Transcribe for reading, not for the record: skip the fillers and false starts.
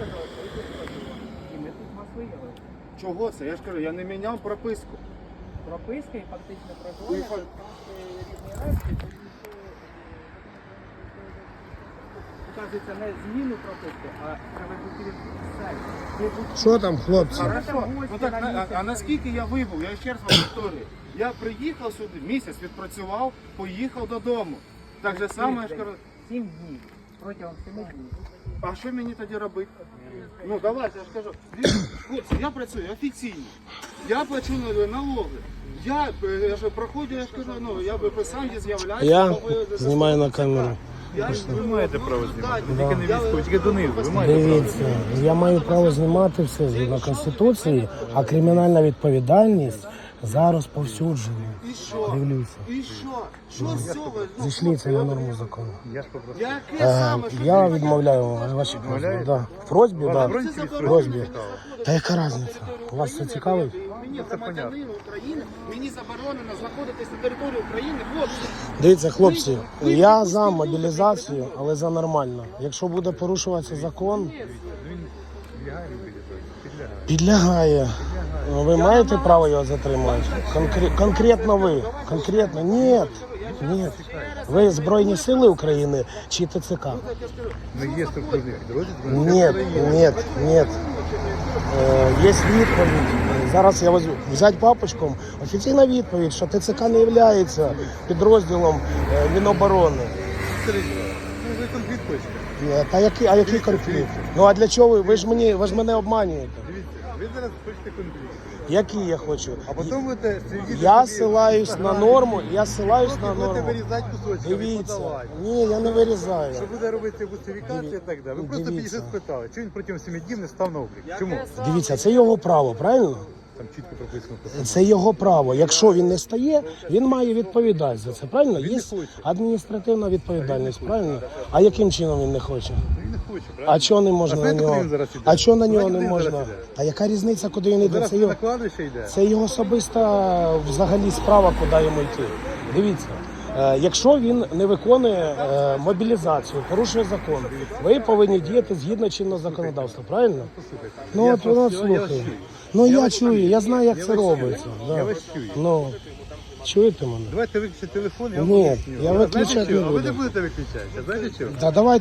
сказали, що ви тут проживаєте. І ми тут вас виявили. Чого це? Я ж кажу, я не міняв прописку. Прописка і фактичне І проживання фак- це різні речі, тому що вказується не зміну прописки, а приведуть все. Що там, хлопці? Хорошо. Ну так, а наскільки я вибув? Я ще раз вам повторюю. Я приїхав сюди, місяць відпрацював, поїхав додому. Так же само, я ж кажу, 7 днів. Протягом 7 днів. а що мені тоді робити? Ну давайте, я ж кажу, дивіться, хлопці, я працюю офіційно, я плачу налоги. Я ж проходжу, я ж кажу, ну я би сам з'являюся. Я знімаю на камеру. Ви маєте право знімати, тільки не військові, тільки донизу. Ви маєте Дивіться, я маю право знімати все згідно Конституції, а кримінальна відповідальність за розповсюдження. І що? Дивлюся. І що? Що з цього? Зійшли це на норму закону. Яке саме? Що Я ти відмовляю ваші просьби. Да. В просьбі, да. Це В заборонено. просьбі. Та яка різниця? Вас це цікавить? Мені громадянин України, мені заборонено знаходитись на території України, хлопці. Дивіться, хлопці, я за мобілізацію, але за нормально. Якщо буде порушуватися закон, підлягає. Ви маєте право його затримати? Конкретно ви? Конкретно? Ні. Ні. Ви Збройні Сили України чи ТЦК? Ну, є структурний підрозділ. Ні. Є відповідь. Зараз я взяти папочком. Офіційна відповідь, що ТЦК не є підрозділом Міноборони. Ну, ви конфлікт хочете. А який конфлікт? Ну а для чого ви? Ви ж мене обманюєте. Дивіться, ви зараз хочете конфлікт. Який я хочу? А потім будете сидіти... Я ссилаюсь на норму, Будете норму. вирізати кусочки, Дивіться. подавати. Ні, я не вирізаю. Що буде робити бусифікація і так далі. Ви просто Дивіться. підійшли спитали, чому він протягом 7 днів не став на облік. Чому? Дивіться, це його право, правильно? Там чітко прописано. Це його право. Якщо він не стає, він має відповідати за це, правильно? Він Є не хоче. адміністративна відповідальність, правильно? А яким чином він не хоче? Він не хоче, правильно? А чого не можна А на знаєте, нього? куди він зараз іде? А чого на Знаєте, нього не куди він можна? зараз іде? А яка різниця, куди він йде? Зараз Це на його, кладовище йде. це його особиста взагалі справа, куди йому йти. Дивіться. Якщо він не виконує мобілізацію, порушує закон, ви повинні діяти згідно чинного законодавства, правильно? Ну Я от вас- воно я слухає. вас чую. Ну Я я вас чую, чую. я знаю, як Я це вас чую. робиться. Да. Я вас чую. Ну, чуєте мене? Давайте виключите телефон, я вам Ні, поясню. я А виключати знаєте не чого? А ви буду. не будете виключати. А знаєте чого? Та давайте.